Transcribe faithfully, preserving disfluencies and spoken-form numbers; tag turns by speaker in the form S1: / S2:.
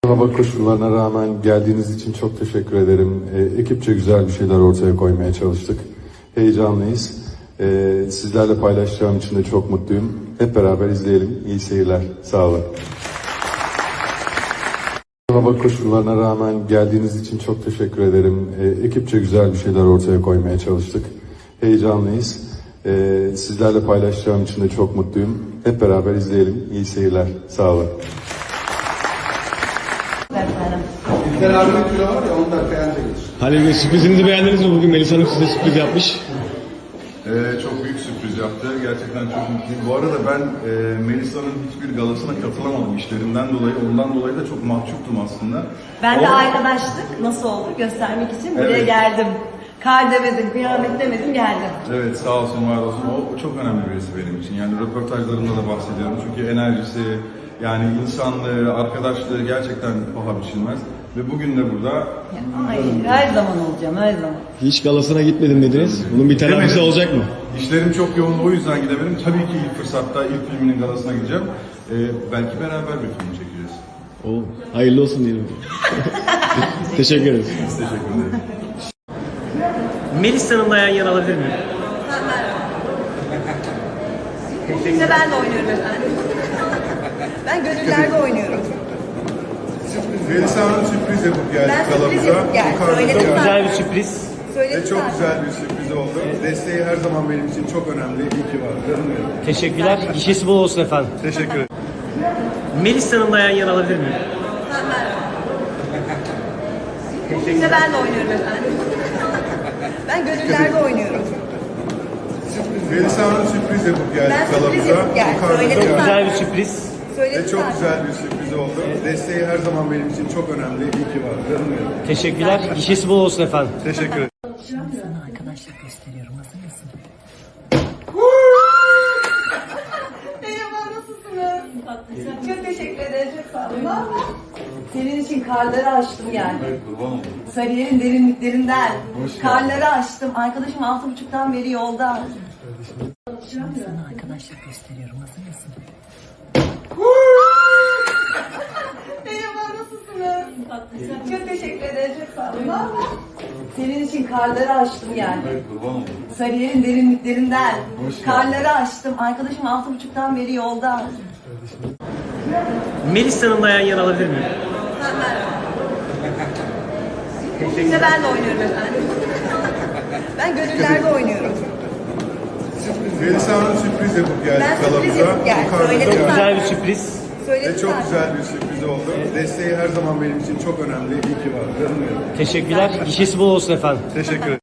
S1: Hava koşullarına rağmen geldiğiniz için çok teşekkür ederim. E, ekipçe güzel bir şeyler ortaya koymaya çalıştık. Heyecanlıyız. E, sizlerle paylaşacağım için de çok mutluyum. Hep beraber izleyelim. İyi seyirler. Sağ olun. Hava koşullarına rağmen geldiğiniz için çok teşekkür ederim. E, ekipçe güzel bir şeyler ortaya koymaya çalıştık. Heyecanlıyız. E, sizlerle paylaşacağım için de çok mutluyum. Hep beraber izleyelim. İyi seyirler. Sağ olun.
S2: İlker abinin kilo var ya on dakika önce gelir.
S3: Halil Bey, sürprizinizi beğendiniz mi? Bugün Melisa Hanım size sürpriz yapmış.
S4: Ee, çok büyük sürpriz yaptı. Gerçekten çok mutluyum. Bu arada ben e, Melisa'nın hiçbir galasına katılamadım işlerinden dolayı. Ondan dolayı da çok mahcuptum aslında.
S5: Ben de
S4: Ama-
S5: arkadaşlık nasıl olur göstermek için buraya
S4: Evet.
S5: geldim. Kar demedim, kıyamet demedim, geldim.
S4: Evet, sağ olsun, var olsun. O çok önemli birisi benim için. Yani röportajlarımda da bahsediyorum. Çünkü enerjisi, yani insanlığı, arkadaşlığı gerçekten paha biçilmez. Ve bugün de burada...
S5: Ay, her zaman olacağım, her zaman.
S3: Hiç galasına gitmedim dediniz. Bunun bir telafisi
S4: Demedim.
S3: olacak mı?
S4: İşlerim çok yoğun, o yüzden gidemedim. Tabii ki ilk fırsatta ilk filminin galasına gideceğim. Ee, belki beraber bir film çekeceğiz.
S3: Oo, hayırlı olsun diyelim. Teşekkür ederiz.
S4: Teşekkür ederim.
S6: Melis Hanım'la yan yana alabilir miyim?
S5: Bu filmde ben de oynuyorum efendim. Ben gönüllerde oynuyorum.
S4: Melisa Hanım sürpriz yapıp geldi
S5: Ben sürpriz
S4: galamıza.
S5: yapıp geldim,
S4: Yukarıda
S5: söyledim
S4: geldi.
S6: Güzel bir sürpriz.
S5: Söyledim
S4: Ve çok
S5: zaten.
S4: güzel bir sürpriz oldu. Desteği her zaman benim için çok önemli. İyi ki var. Canım benim.
S6: Teşekkürler. Gişesi bol olsun efendim.
S4: Teşekkür ederim.
S6: Melis Hanım'la yan yana alabilir miyim?
S5: Bu filmde ben de oynuyorum efendim. Ben gönüllerde oynuyorum.
S4: Melisa Hanım sürpriz yapıp geldi
S5: Ben sürpriz
S4: galamıza.
S5: yapıp geldim,
S4: Yukarıda
S5: söyledim
S4: geldi.
S5: zaten.
S6: Güzel bir sürpriz.
S5: Söyledim
S4: Ve çok
S5: zaten.
S4: güzel bir sürpriz oldu. Desteği her zaman benim için çok önemli. İyi ki var. Canım benim.
S6: Teşekkürler. Gişesi bol olsun efendim.
S4: Teşekkür ederim.
S5: Sana arkadaşlar gösteriyorum. Hazır mısın? Merhaba, nasılsınız? Çok teşekkür ederim. Çok sağ olun. Senin için karları aştım yani. Sarıyer'in derinliklerinden. Karları aştım. Arkadaşım altı buçuktan beri yolda. Sana arkadaşlar gösteriyorum. Hazır mısın? Merhaba, nasılsınız? Çok teşekkür ederim. Çok sağ olun. Senin için karları aştım yani. Sarıyer'in derinliklerinden. Karları aştım. Arkadaşım altı buçuktan beri yolda.
S6: Melis Hanım'la yan yana alabilir miyim?
S5: Bu filmde ben de oynuyorum efendim. Ben gönüllerde oynuyorum.
S4: Melisa Hanım sürpriz yapıp geldi
S5: Ben sürpriz
S4: galamıza.
S5: yapıp geldim,
S4: Yukarıda
S5: söyledim
S4: geldi.
S5: zaten.
S6: Güzel bir sürpriz.
S5: Söyledim
S4: Ve çok
S5: zaten.
S4: güzel bir sürpriz oldu. Desteği her zaman benim için çok önemli. İyi ki var. Canım benim.
S6: Teşekkürler. Gişesi bol olsun efendim.
S4: Teşekkür ederim.